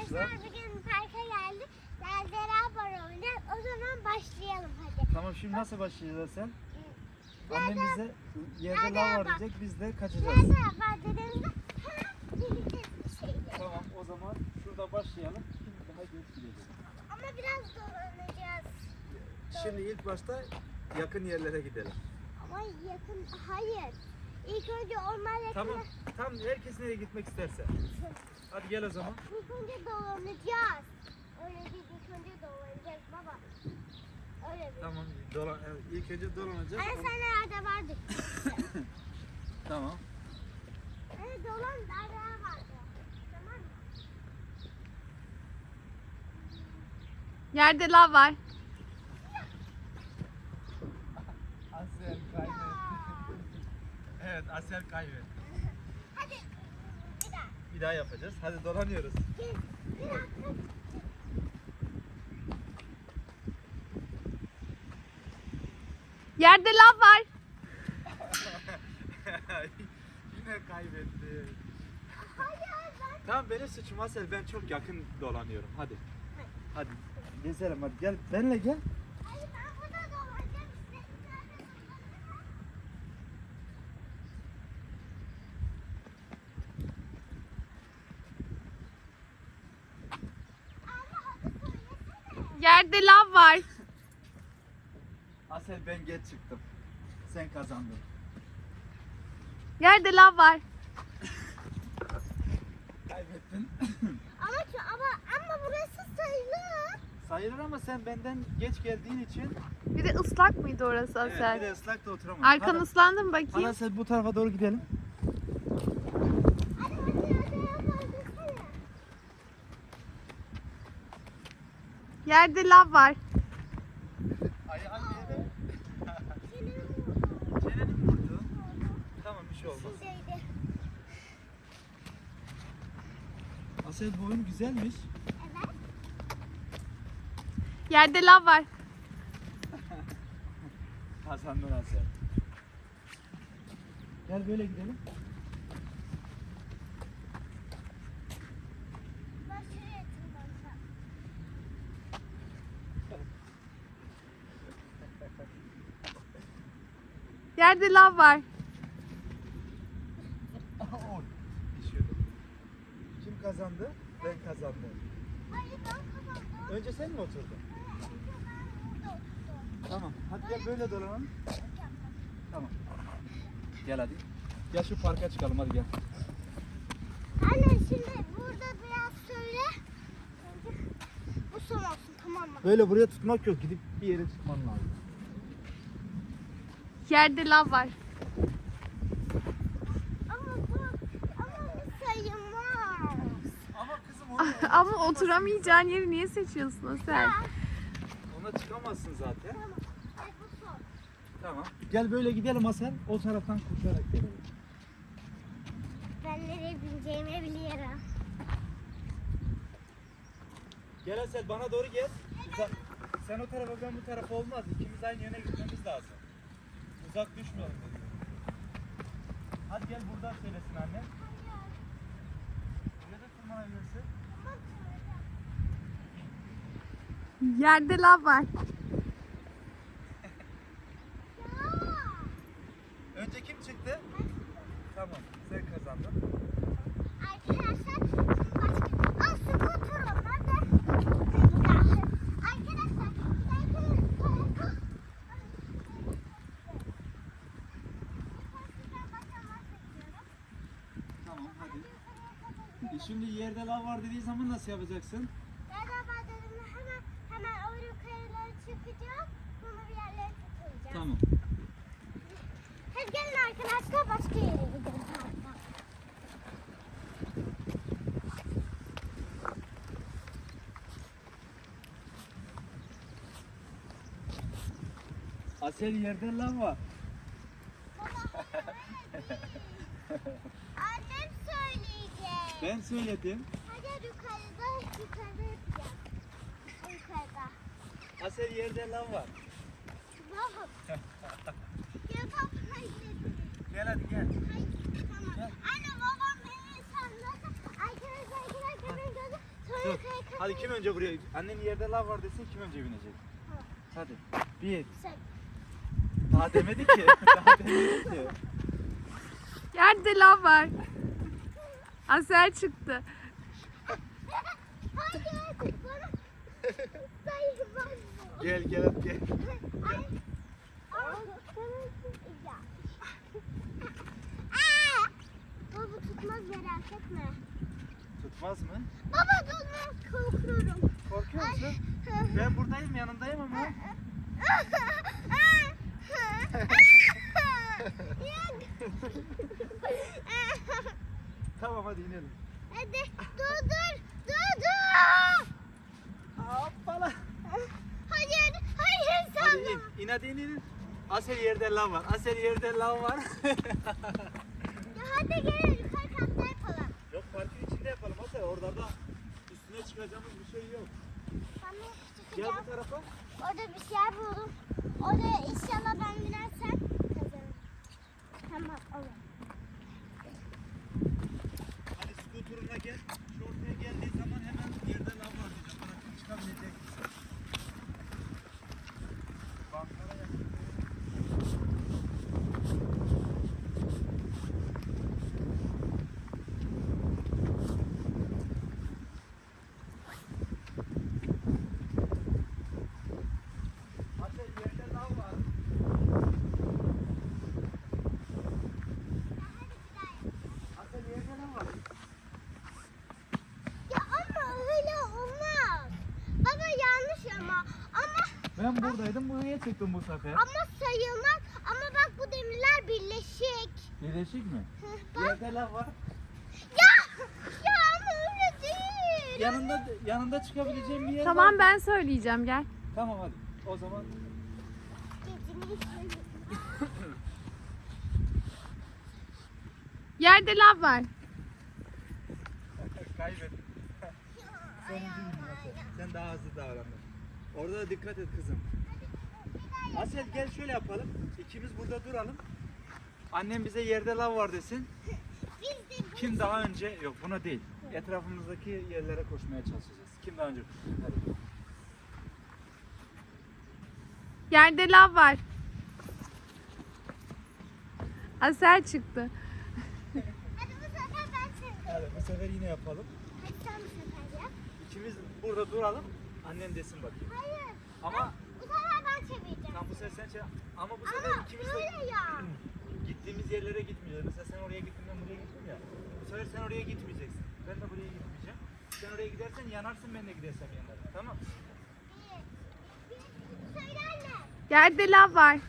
arkadaşlar bugün parka geldik. Beraber oynayacağız. O zaman başlayalım hadi. Tamam, şimdi nasıl başlayacağız sen? Annem bize yerde lav var diyecek, biz de kaçacağız. Nerede var dediğimizde hemen bileceğiz bir şeyleri. Tamam, o zaman şurada başlayalım. Şimdi daha geç gideceğiz. Ama biraz dolanacağız. Şimdi ilk başta yakın yerlere gidelim. Ama yakın, hayır. İlk önce orman yakını. Tamam, tam herkes nereye gitmek isterse. Hadi gel o zaman. İlk önce dolanacağız. Öyle değil, ilk önce dolanacağız baba. Öyle değil. Tamam, ilk önce dolanacağız. Anne sen nerede vardık? Tamam. Anne dolan nerede vardı? Tamam mı? Yerde lav var. Asel kaybetti. Evet, Asel kaybetti. Hadi bir daha. Bir daha yapacağız. Hadi dolanıyoruz. Bir dakika. Yerde lav var. Yine kaybetti. Hayır ben. Tamam, benim suçum Asel. Ben çok yakın dolanıyorum. Hadi. Hadi. Gezelim hadi. Gel. Benle gel. Hayır ben burada dolanacağım işte. Nerede dolanacağım? Anne hadi söylesene. Yerde lav var. Asel, ben geç çıktım. Sen kazandın. Yerde lav var. Kaybettin. Ama burası sayılır. Sayılır ama sen benden geç geldiğin için Bir de ıslak mıydı orası evet, bir Asel? de ıslakta oturamadın. Arkan Hadi. ıslandı mı Hadi bakayım? Asel, bu tarafa doğru gidelim. Hadi yapalım desene. Yerde lav var. Ayağın yere. Senin vurdu. Çeneni mi vurdu? Tamam, bir şey olmaz. Sizdeydi. Asel, bu oyun güzelmiş. Evet. Yerde lav var. Kazandın Asel. Gel böyle gidelim. Ben şuraya tırmanacağım. Yerde lav var. Oy, düşüyordum. Kim kazandı? Ben kazandım. Hayır ben kazandım. Önce sen mi oturdun? Önce ben burada oturdum. Tamam. Hadi gel böyle dolanalım. Tamam. Gel hadi. Gel şu parka çıkalım, hadi gel. Anne şimdi burada biraz söyle. Önce bu son olsun tamam mı? Böyle buraya tutmak yok. Gidip bir yere tutman lazım. Yerde lav var. Ama bu sayılmaz. Ama kızım ona, Ama oturamayacağın yeri niye seçiyorsun Asel? ona çıkamazsın zaten. Tamam. Ay, bu son. Tamam. Gel böyle gidelim Hasan. O taraftan koşarak gelelim. Ben nereye bineceğimi biliyorum. Gel Asel, bana doğru gel. Sen o tarafa, ben bu tarafa olmaz. İkimiz aynı yöne gitmemiz lazım. Uzak düşmeyelim dedim. Hadi gel, buradan söylesin annem. Buraya da tırmanabilirsin. Yerde lav var. Önce kim çıktı? Tamam, sen kazandın. Arkadaşlar başka... Aa skuter onlar da. Arkadaşlar Tamam, hadi. Şimdi yerde lav var dediği zaman nasıl yapacaksın? Beraber dedim hemen o yukarılara çıkacağım. Sonra bir yerlere tutulacağım. Tamam. Hadi gelin arkadaşlar başka yere gidelim. Parkta. Asel, yerde lav var. Annem söyleyecek. Ben söyledim. Hadi yukarıda yapacağız. Yukarıda. Asel, yerde lav var. Tamam. Ya baba hayır. Gel hadi gel. Hayır. Tamam. Anne babam beni sandı. Arkadaşlar beni gördü. Dur. Hadi kim önce buraya? Annen yerde lav var desin, kim önce binecek? Hadi. Bir. Sen. Daha demedi ki. Daha demedi ki. Yerde lav var. Asel çıktı. Hayır. Bana sayılmaz bu. Gel gel gel. Ay. Ya. Aa! Baba tutmaz merak etme. Tutmaz mı? Baba tutmaz korkuyorum. Korkuyor musun? Ben buradayım, yanındayım ama. Tamam hadi inelim. Hadi dur. Hoppala. Hayır Hadi sana. in. İn hadi in. Asel yerde lav var. Asel yerde lav var. Ya hadi gel yukarı katta yapalım. Yok parkın içinde yapalım Asel. Orada da üstüne çıkacağımız bir şey yok. Tamam Gel çıkacağım. bu tarafa. Orada bir şey buldum. Oraya inşallah ben binersem kazanırım. Tamam olur. Hadi skuturuna gel. Şu ortaya geldiği zaman hemen yerde lav var diyeceğim. Bırakın çıkabilecek misin? Banklara yakın. Asel yerde lav var. Asel yerde lav var. Ya ama öyle olmaz. Baba yanlış ama Ben buradaydım, buraya çıktım bu sefer. ama sayılmaz. Ama bak bu demirler birleşik. Birleşik mi? Bak. Yerde lav var. Ya ama öyle değil. Yanında çıkabileceğim bir yer var. Tamam ben söyleyeceğim gel. Tamam hadi. O zaman Yerde lav var. kaybettim. Sen daha hızlı davrandın. Orada da dikkat et kızım. Asel gel şöyle yapalım. İkimiz burada duralım. Annem bize yerde lav var desin. Biz de Kim daha önce, yok buna değil. Etrafımızdaki yerlere koşmaya çalışacağız. Kim daha önce? Hadi. Yerde lav var. Asel çıktı. hadi bu sefer ben seni. Hadi bu sefer yine yapalım. Hadi sen bu sefer yap. İkimiz burada duralım. Annem desin bakayım. Hayır. Ama Bu sefer ben çevireceğim. tam bu sefer sen ama bu sefer Ama ikimiz de böyle ya. gittiğimiz yerlere gitmeyeceğiz. Mesela sen oraya gittin, ben buraya gittim ya. Bu sefer sen oraya gitmeyeceksin. Ben de buraya gitmeyeceğim. Sen oraya gidersen yanarsın, ben de gidersem yanarım. Tamam? Söyle anne. Yerde lav var.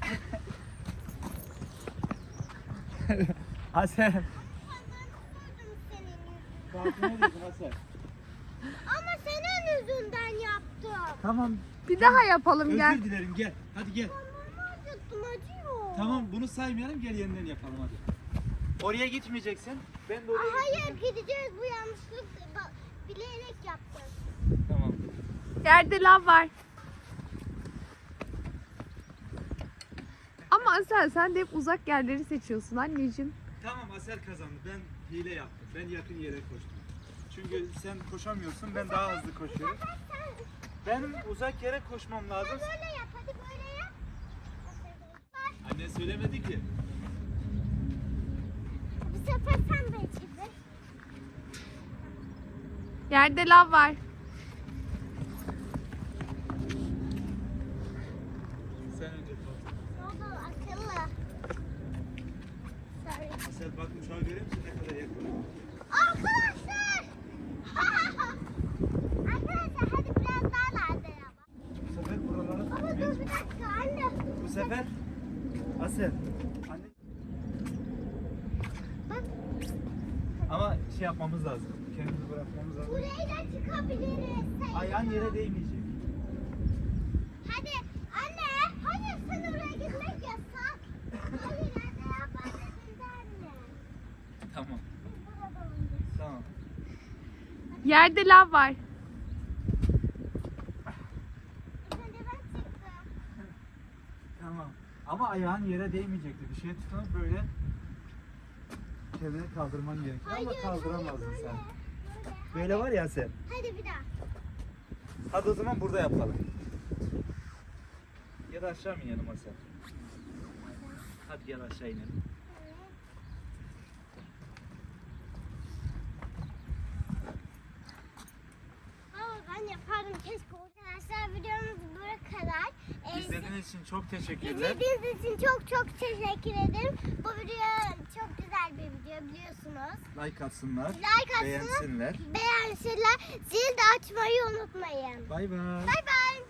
Hasan. Senden sordum senin yüzünden. Kalkmaya dedim Hasan. Ama senin yüzünden yaptım. Tamam. Bir daha yapalım Özür gel. dilerim, gel. Hadi gel. Parmağımı acıttım acıyor. Tamam, bunu saymayalım, gel yeniden yapalım hadi. Oraya gitmeyeceksin. Ben de oraya Hayır gideceğiz bu yanlışlık bilerek yaptım. Tamam. Yerde lav var. Ama Asel sen de hep uzak yerleri seçiyorsun anneciğim. Tamam, Asel kazandı. Ben hile yaptım. Ben yakın yere koştum. Çünkü sen koşamıyorsun, ben daha hızlı koşuyorum. Benim uzak yere koşmam lazım. Böyle yap hadi böyle yap. Anne söylemedi ki. Bu sefer sen de çevir. Yerde lav var. Sen önce koş. Ne oldu akıllı? Sorry. Asel bak uçağı görüyor musun ne kadar yakın? Arkadaşlar. Arkadaşlar hadi biraz daha nerede ya? Bu sefer buralara Baba dur bir dakika anne. Bu sefer Asel. Anne. Bak Ama şey yapmamız lazım. Kendimizi bırakmamız lazım. buraya da çıkabiliriz. Ayağın yere değmeyecek. Hadi anne. Hayır sen oraya gitmek yasak. Hayır anne yapma dedi anne. Tamam. Biz burada oynayacağız. Tamam. Yerde lav var. İlk önce ben çıktım. Tamam. Ama ayağın yere değmeyecekti. Bir şey tutup böyle kendini kaldırman gerekiyor ama kaldıramazdın sen. Böyle var ya Asel. Hadi bir daha. Hadi o zaman burada yapalım. Ya da aşağı mı inelim Asel? Hadi gel aşağı inelim. Ama ben yapardım keşke. Arkadaşlar videomuz buraya kadar. İzlediğiniz için çok teşekkürler. İzlediğiniz için çok teşekkür ederim. Bu video çok güzel bir video biliyorsunuz. Like atsınlar. Like atsınlar. Beğensinler. Beğensinler. Zil de açmayı unutmayın. Bay bay. Bay bay.